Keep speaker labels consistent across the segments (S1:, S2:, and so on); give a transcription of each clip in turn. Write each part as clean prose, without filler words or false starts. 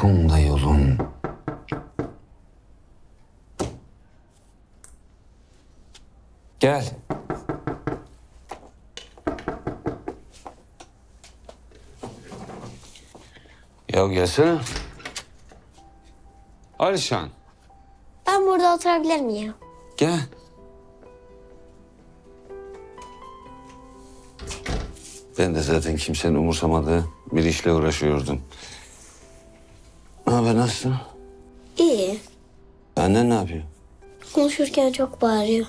S1: Uykum da yolum. Gel. Ya gelsene. Alişan,
S2: Ben burada oturabilir miyim?
S1: gel. Ben de zaten kimsenin umursamadığı bir işle uğraşıyordum. Ne haber, nasılsın?
S2: İyi.
S1: Annen ne yapıyor?
S2: Konuşurken çok bağırıyor.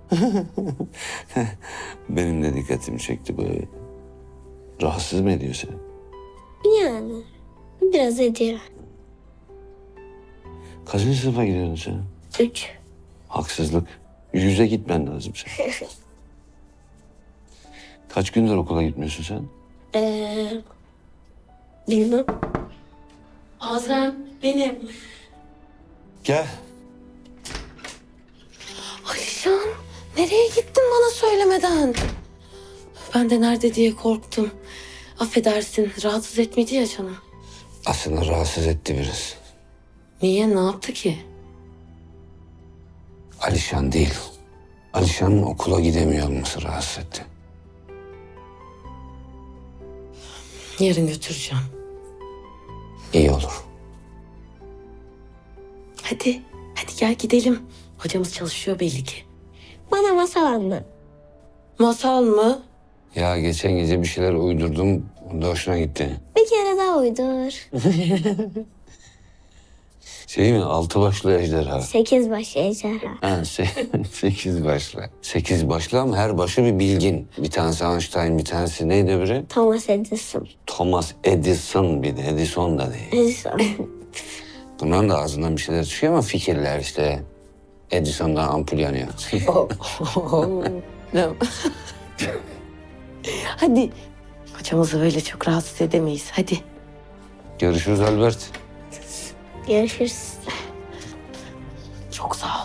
S1: Benim de dikkatimi çekti böyle. Rahatsız mı ediyor seni?
S2: Yani biraz ediyor.
S1: Kaçıncı sınıfa gidiyorsun sen?
S2: 3.
S1: Haksızlık. Yüze gitmen lazım sen. Kaç gündür okula gitmiyorsun sen?
S2: Bilmem.
S3: Azem benim.
S1: Gel.
S3: Alişan nereye gittin bana söylemeden? Ben de nerede diye korktum. Affedersin rahatsız etmedi ya canım.
S1: Aslında rahatsız etti biraz.
S3: Niye ne yaptı ki?
S1: Alişan değil. Alişan'ın okula gidemiyor olması rahatsız etti.
S3: Yarın götüreceğim.
S1: İyi olur.
S3: Hadi gel gidelim. Hocamız çalışıyor belli ki.
S2: Bana masal anlat.
S3: Masal mı?
S1: Ya geçen gece bir şeyler uydurdum. O da hoşuna gitti.
S2: Bir kere daha uydur.
S1: Şey mi? 6 başlı ejderha.
S2: 8 baş ejderha.
S1: Ha, 8 başlı. 8 başlı ama her başı bir bilgin. Bir tanesi Einstein, bir tanesi neydi öbürü?
S2: Thomas Edison.
S1: Thomas Edison, bir de Edison da değil.
S2: Edison.
S1: Bunların da ağzından bir şeyler çıkıyor ama fikirler işte. Edison'dan ampul yanıyor.
S3: Hadi. Hocamızı öyle çok rahatsız edemeyiz. Hadi.
S1: Görüşürüz Albert.
S2: Görüşürüz.
S3: Çok sağ ol.